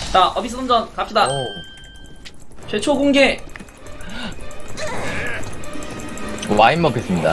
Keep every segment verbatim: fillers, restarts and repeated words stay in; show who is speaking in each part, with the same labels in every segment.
Speaker 1: 자, 어비스 던전 갑시다.
Speaker 2: 오.
Speaker 1: 최초 공개.
Speaker 2: 와인 먹겠습니다.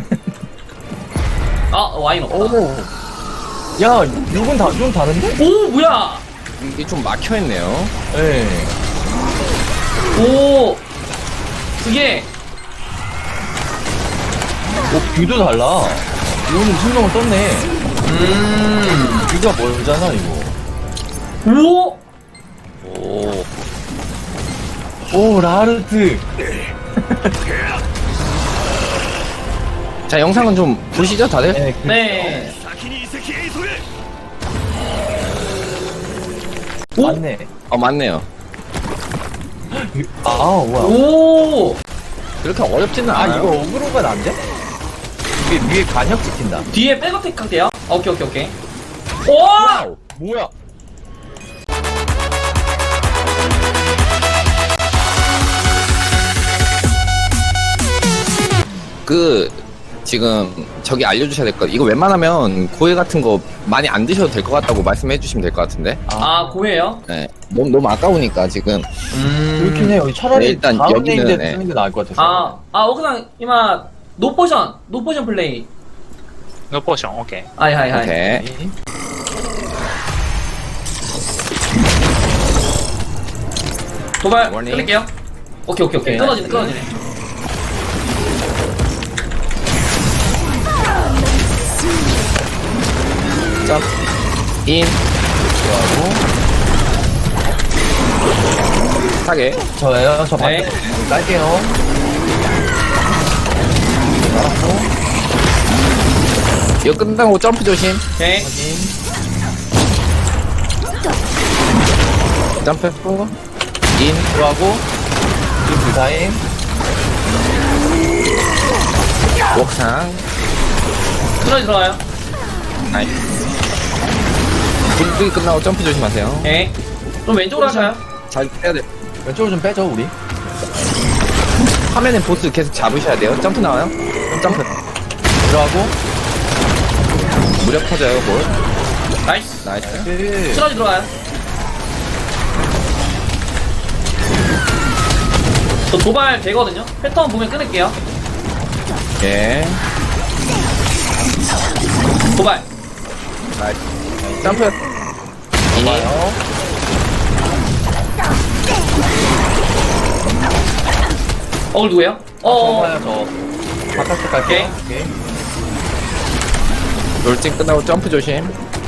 Speaker 1: 아, 와인 없다.
Speaker 2: 오. 야, 이건 다, 좀 다른데?
Speaker 1: 오, 뭐야?
Speaker 3: 이게 좀 막혀있네요.
Speaker 2: 예.
Speaker 1: 오, 그게
Speaker 2: 오, 뷰도 달라. 이거는 신경을 썼네.
Speaker 1: 음,
Speaker 2: 뷰가 멀잖아, 이거.
Speaker 1: 오,
Speaker 3: 오.
Speaker 2: 오, 라르트.
Speaker 3: 자, 영상은 좀 보시죠, 다들?
Speaker 2: 네. 그-
Speaker 1: 네.
Speaker 2: 어,
Speaker 1: 오,
Speaker 2: 맞네.
Speaker 3: 어, 맞네요.
Speaker 2: 아, 뭐야.
Speaker 1: 오,
Speaker 3: 그렇게 어렵지는
Speaker 2: 아,
Speaker 3: 않아요.
Speaker 2: 이거 어그로가 난데? 이게 위에 간역 찍힌다.
Speaker 1: 뒤에 백어택 할게요. 오케이, 오케이, 오케이. 오,
Speaker 2: 와우! 뭐야?
Speaker 3: 그, 지금, 저기 알려주셔야 될 것 같아요. 이거 웬만하면 고해 같은 거 많이 안 드셔도 될 것 같다고 말씀해 주시면 될 것 같은데.
Speaker 1: 아, 고해요?
Speaker 3: 네. 너무, 너무 아까우니까, 지금.
Speaker 1: 음,
Speaker 2: 그렇긴 해요. 차라리
Speaker 3: 네, 일단
Speaker 2: 다음
Speaker 3: 여기는,
Speaker 2: 네임대
Speaker 3: 네.
Speaker 2: 쓰는 게 나을 것 같아서.
Speaker 1: 아, 아, 오크상 이마 노포션, 노포션 플레이.
Speaker 4: 노 포션, 오케이.
Speaker 1: 아이, 하이, 하이.
Speaker 3: 오케이.
Speaker 1: 도발
Speaker 3: 워닝.
Speaker 1: 끊을게요. 오케이, 오케이, 오케이.
Speaker 2: 오케이.
Speaker 1: 끊어지네, 끊어지네.
Speaker 3: 점, 인,
Speaker 2: 좋아하고.
Speaker 3: 타겟.
Speaker 2: 저예요. 저
Speaker 1: 네.
Speaker 2: 반대. 깔게요. 알았고.
Speaker 3: 이거 끝나고 점프 조심.
Speaker 1: 오케이.
Speaker 2: 확인.
Speaker 3: 점프 했고. 인,
Speaker 2: 들어가고. 그 타임.
Speaker 3: 옥상.
Speaker 1: 끊어지 들어가요.
Speaker 3: 나이스. 불빛 끝나고 점프 조심하세요.
Speaker 1: 오케이. 좀 왼쪽으로 하셔요.
Speaker 3: 잘 빼야 돼.
Speaker 2: 왼쪽으로 좀 빼죠, 우리.
Speaker 3: 화면에 보스 계속 잡으셔야 돼요. 점프 나와요. 점프.
Speaker 2: 들어가고.
Speaker 3: 무력 터져요, 볼.
Speaker 1: 나이스.
Speaker 3: 나이스.
Speaker 2: 그.
Speaker 1: 끊어지 들어가요. 저 도발 되거든요. 패턴 보면 끊을게요.
Speaker 3: 예.
Speaker 1: 도발.
Speaker 3: 나이스. 점프. 인.
Speaker 2: 봐요.
Speaker 1: 어글 누구예요? 어,
Speaker 2: 봐요, 저. 바깥쪽 갈게요. 오케이.
Speaker 3: 롤찡 끝나고 점프 조심.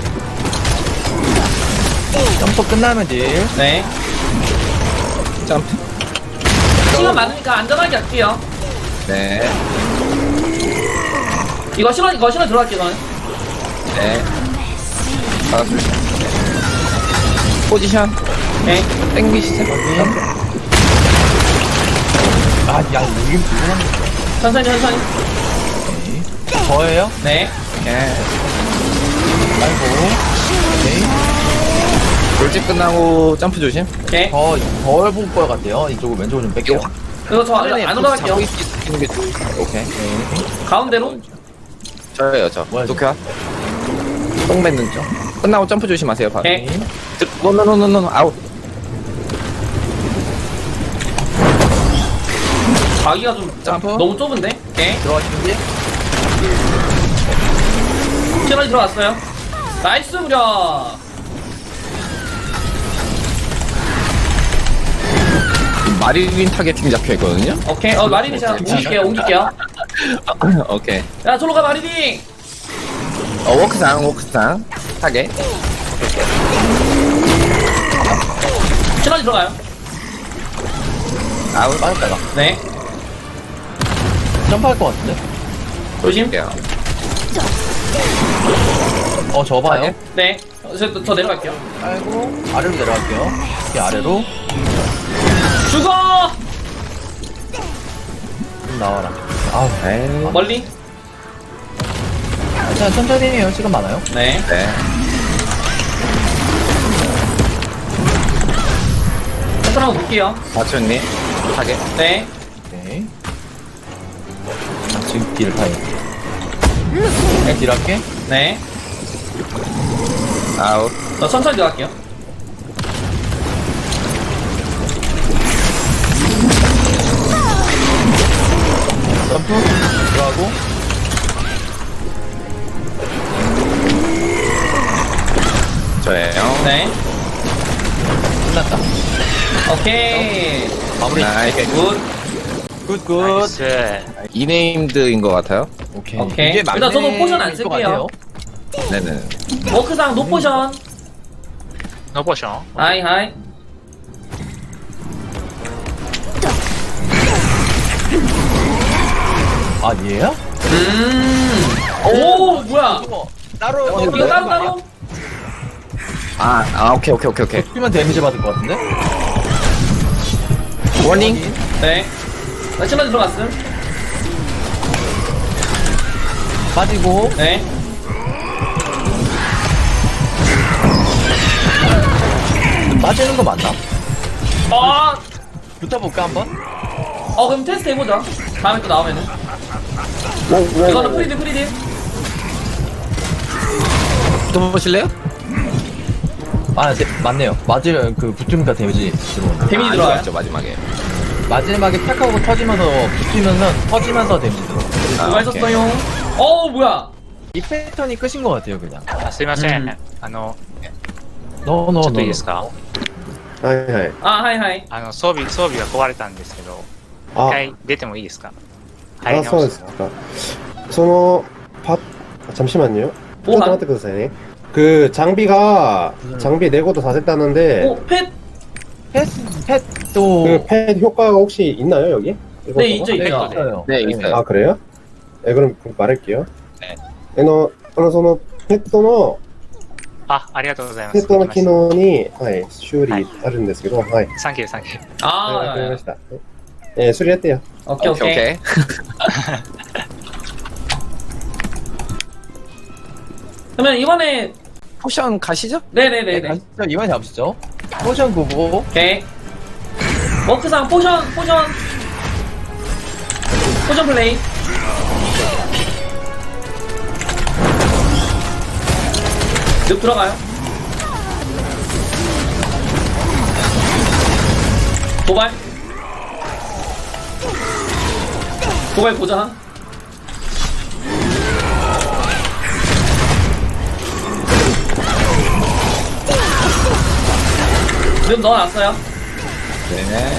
Speaker 2: 점프 끝나면 딜.
Speaker 1: 네.
Speaker 3: 점프.
Speaker 1: 시간 많으니까 안전하게 할게요.
Speaker 3: 네.
Speaker 1: 이거 시간, 이거 시간 들어갈게요, 저는.
Speaker 3: 네. 바닥 조심. 포지션.
Speaker 1: 오케이.
Speaker 3: 땡기시죠. 점프.
Speaker 2: 아, 야, 이게 무슨
Speaker 1: 천천히, 천천히.
Speaker 2: 저예요?
Speaker 1: 네.
Speaker 3: 예.
Speaker 2: 아이고. 오케이.
Speaker 3: 롤찡 끝나고 점프 조심.
Speaker 1: 오케이.
Speaker 2: 더, 덜 볼 것 같아요. 이쪽으로 왼쪽으로 좀 뺄게요.
Speaker 3: 이거
Speaker 1: 그리고 저 안, 안 올라갈게요.
Speaker 3: 잡고 있는 게 좋- 오케이.
Speaker 1: 가운데로.
Speaker 3: 저예요, 저.
Speaker 2: 뭐야,
Speaker 3: 도쿄. 똥 뱉는 쪽. 끝나고 점프 조심하세요, 바로.
Speaker 1: 오케이.
Speaker 3: 노노노노노 아웃.
Speaker 1: 가기가 좀
Speaker 3: 점프.
Speaker 1: 너무 좁은데? 오케이.
Speaker 2: 들어가시는지?
Speaker 1: 시간이 들어왔어요. 나이스 무려.
Speaker 3: 마리린 타겟팅 잡혀 있거든요.
Speaker 1: 오케이. 어, 마리비 제가 옮길게요, 옮길게요.
Speaker 3: 오케이.
Speaker 1: 야, 저로 가, 마리비!
Speaker 3: 어, 워크상, 워크상. 타겟.
Speaker 1: 시간이 들어가요.
Speaker 3: 아웃.
Speaker 2: 빠졌다가.
Speaker 1: 네.
Speaker 2: 점프할 것 같은데?
Speaker 1: 조심.
Speaker 3: 할게요.
Speaker 2: 어, 저 봐요.
Speaker 3: 타겟.
Speaker 1: 네. 어, 저, 저 내려갈게요.
Speaker 2: 아이고. 아래로 내려갈게요. 이렇게 아래로.
Speaker 1: 죽어!
Speaker 2: 좀 나와라. 아우.
Speaker 3: 에이.
Speaker 1: 멀리.
Speaker 2: 자, 천천히 해요. 시간 많아요.
Speaker 1: 네.
Speaker 3: 네.
Speaker 1: 패턴 한번 볼게요.
Speaker 3: 마초님. 타겟.
Speaker 1: 네.
Speaker 2: 오케이. 자, 지금 딜 타임. 그냥 딜 할게.
Speaker 1: 네.
Speaker 3: 아웃.
Speaker 1: 저 천천히 들어갈게요.
Speaker 2: 점프 들어가고
Speaker 3: 저예요.
Speaker 1: 네.
Speaker 2: 끝났다.
Speaker 1: 오케이.
Speaker 2: 마무리.
Speaker 3: 나이스.
Speaker 1: 굿.
Speaker 2: 굿굿.
Speaker 4: 나이스.
Speaker 3: 이네임드인 것 같아요.
Speaker 2: 오케이.
Speaker 1: 오케이.
Speaker 2: 이게
Speaker 1: 일단 저도
Speaker 2: 막내일
Speaker 1: 포션 안
Speaker 2: 것
Speaker 1: 쓸게요.
Speaker 2: 같아요.
Speaker 3: 네네.
Speaker 1: 워크상 노포션.
Speaker 4: 노 포션.
Speaker 1: 하이, 하이.
Speaker 2: 아 얘야?
Speaker 1: 음. 오, 뭐야.
Speaker 2: 이거 따로
Speaker 3: 어,
Speaker 1: 이거 따로 따로?
Speaker 3: 아, 아 오케이 오케이 오케이 오케이.
Speaker 2: 쓰면 데미지 받을 것 같은데?
Speaker 3: 워닝.
Speaker 1: 네. 나 칠만 들어갔음.
Speaker 2: 빠지고
Speaker 1: 네.
Speaker 2: 빠지는 거 맞나?
Speaker 1: 아,
Speaker 2: 붙어볼까 한번?
Speaker 1: 어, 그럼 테스트 해보자. 다음에 또 나오면은. 이거는 프리딜, 프리딜.
Speaker 3: 붙어보실래요?
Speaker 2: 아 네, 맞네요. 맞으면 그 붙으니까 데미지 들어오네.
Speaker 1: 데미지
Speaker 3: 아,
Speaker 1: 들어와요.
Speaker 3: 들어왔죠, 마지막에.
Speaker 2: 마지막에 탁 하고 터지면서 붙으면서 터지면서 데미지 들어.
Speaker 1: 누가 있었어요? 어, 뭐야.
Speaker 2: 이 패턴이 끝인 것 같아요 그냥.
Speaker 4: あすいません。
Speaker 1: うん
Speaker 4: あの、
Speaker 2: 너너
Speaker 4: ちょっといいですか
Speaker 5: はいはい。
Speaker 1: 아, 하이, 하이.
Speaker 4: あの、装備、装備が壊れたんですけど、一
Speaker 5: あ、
Speaker 4: 回出てもいいですか入り
Speaker 5: あ、そう
Speaker 4: 直
Speaker 5: ですすか。その、パ잠시만요.
Speaker 1: 뭐
Speaker 5: 잠깐
Speaker 1: 한-
Speaker 5: 待ってくださいね. 그 장비가 장비 내고도 다 됐다는데
Speaker 1: 오, 펫?
Speaker 2: 펫 펫도
Speaker 5: 그 펫 효과가 혹시 있나요 여기? 이거
Speaker 1: 네,
Speaker 5: 저거?
Speaker 1: 있죠, 있죠.
Speaker 2: 있어요.
Speaker 3: 네, 있어요.
Speaker 5: 아 그래요? 네 그럼 그럼 말할게요.
Speaker 3: 네.
Speaker 5: あのあのそのペットの
Speaker 4: あ、ありがとうございます。
Speaker 5: ペットの機能にはい修理
Speaker 4: はい
Speaker 5: あるんですけど、はい。
Speaker 4: サンキュー、サンキュー。
Speaker 1: 아,
Speaker 5: はいわかり
Speaker 1: 야,
Speaker 5: ま
Speaker 1: 야.
Speaker 5: した。えー、それやってよ。
Speaker 1: 오케이,
Speaker 3: 오케이
Speaker 1: 오케이.
Speaker 3: 오케이.
Speaker 1: 그러면 이번에,
Speaker 3: 포션 가시죠?
Speaker 2: 네,
Speaker 1: 네네네네.
Speaker 2: 가시죠. 이번에 잡으시죠. 포션 구고
Speaker 1: 오케이. 워크상 포션, 포션. 포션 플레이. 늪 들어가요. 도발. 도발 고정. 늪 넣어놨어요.
Speaker 3: 네.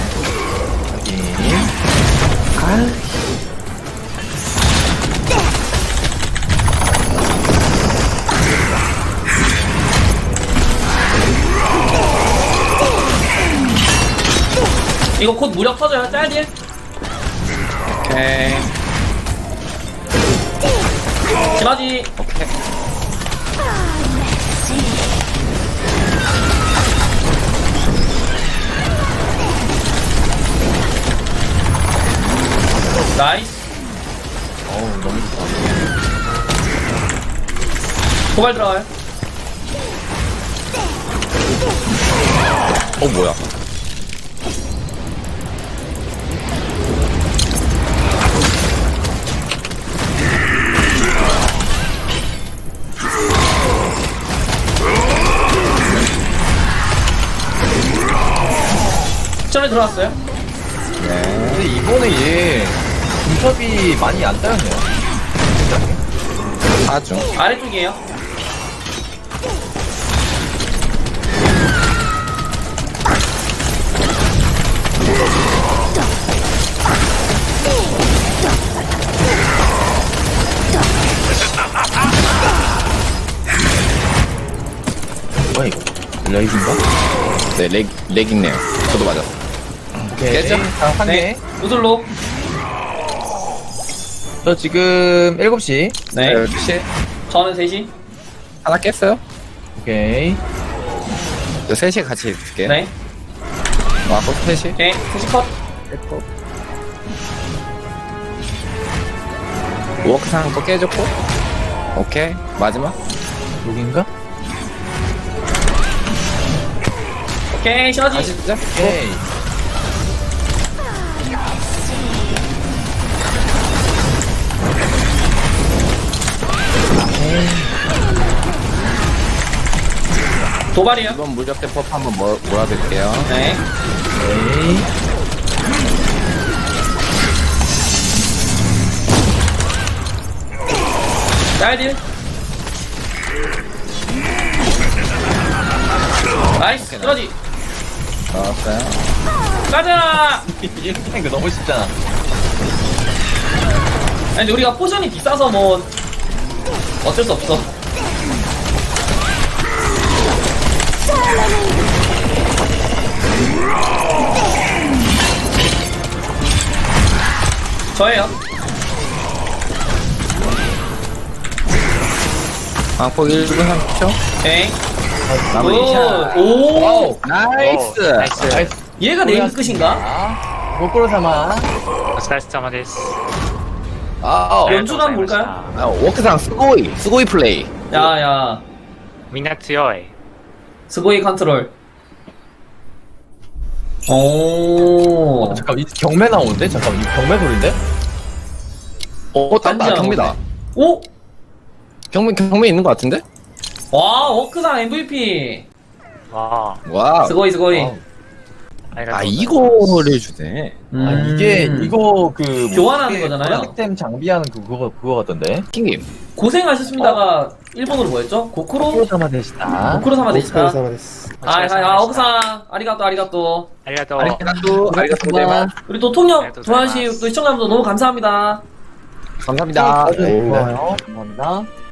Speaker 1: 이거 곧 무력 터져요. 짤딜.
Speaker 3: 오케이.
Speaker 1: 지마지.
Speaker 3: 오케이.
Speaker 1: 나이스.
Speaker 2: 어우 너무 좋다.
Speaker 1: 도발 들어가요.
Speaker 3: 어 뭐야?
Speaker 1: 전에 들어왔어요.
Speaker 2: 근데 이번에 얘 중첩이 많이 안 따였네요.
Speaker 3: 아주.
Speaker 1: 아래쪽이에요.
Speaker 2: 뭐야 이거? 레이즈인가?
Speaker 3: 네, 렉, 렉 있네요. 저도 맞았어.
Speaker 2: 오케이.
Speaker 3: 깨져?
Speaker 2: 자, 한 개.
Speaker 1: 네. 우슬로.
Speaker 2: 저 지금 일곱 시.
Speaker 1: 네.
Speaker 3: 혹시
Speaker 1: 저는 셋이.
Speaker 3: 하나 깼어요?
Speaker 2: 오케이.
Speaker 3: 저 셋이 같이 있을게요.
Speaker 1: 네.
Speaker 3: 아, 또 셋이?
Speaker 1: 오케이. 셋이 컷.
Speaker 3: 깼고. 워크상 또 깨졌고. 오케이. 마지막.
Speaker 2: 여긴가?
Speaker 1: 오케이. 시너지.
Speaker 3: 다시 시작.
Speaker 2: 오케이.
Speaker 1: 도발이요.
Speaker 3: 이번 물적 대법 한번 몰, 몰아드릴게요.
Speaker 1: 네.
Speaker 2: 오케이.
Speaker 1: 짤딜. 나이스 쓰러지.
Speaker 3: 나왔어요.
Speaker 1: 가자.
Speaker 2: 이렇게 하는 거 너무 쉽잖아.
Speaker 1: 아니 근데 우리가 포션이 비싸서 뭐 어쩔 수 없어. 저예요.
Speaker 3: 방폭 일 분 삼십 초.
Speaker 1: 엥.
Speaker 3: 마무리 샷.
Speaker 1: 오. 오.
Speaker 4: 오,
Speaker 3: 나이스.
Speaker 4: 나이스.
Speaker 2: 나이스.
Speaker 1: 얘가 네임 끝인가?
Speaker 2: 거꾸로 삼아.
Speaker 4: お疲れ様です。
Speaker 3: 아,
Speaker 4: ありがとうございまし
Speaker 1: 연주단
Speaker 4: た。
Speaker 3: 아, 워크상 스고이. 스고이 플레이.
Speaker 1: 야야.
Speaker 4: みんな強い。
Speaker 1: 스고이 컨트롤. 오.
Speaker 2: 어, 잠깐 이 경매 나오는데? 잠깐 이 경매 소리인데?
Speaker 3: 어, 땄다.
Speaker 1: 완전
Speaker 3: 경매다.
Speaker 1: 오.
Speaker 3: 경매, 경매 있는 것 같은데?
Speaker 1: 와 워크상 엠브이피.
Speaker 4: わ
Speaker 3: 와.
Speaker 1: 스고이 스고이.
Speaker 2: 와우.
Speaker 4: あ、ありがとう
Speaker 3: 아,
Speaker 4: ございます。
Speaker 3: 이거를 주네.
Speaker 1: 음.
Speaker 2: 아 이게 이거 그
Speaker 1: 교환하는 거잖아요.
Speaker 2: 시스템 장비하는 그 그거 그거 같던데.
Speaker 3: 킹님.
Speaker 1: 고생하셨습니다가 일본어로 뭐였죠? 고쿠로?
Speaker 2: 거꾸로 삼아 되시다.
Speaker 1: 고쿠로 사마 데시다.
Speaker 5: 오스카레사마데스.
Speaker 1: 아, 아, 아, 억상 아리가또 아리가또.
Speaker 4: ありがとう。
Speaker 3: 아리가또, 아리가또 고자이마스.
Speaker 1: 우리 또 통역
Speaker 4: 네, 또
Speaker 1: 도와주신 또 시청자분들 너무 감사합니다.
Speaker 3: 감사합니다.
Speaker 5: 아닙니다.
Speaker 2: 좋아요. 감사합니다.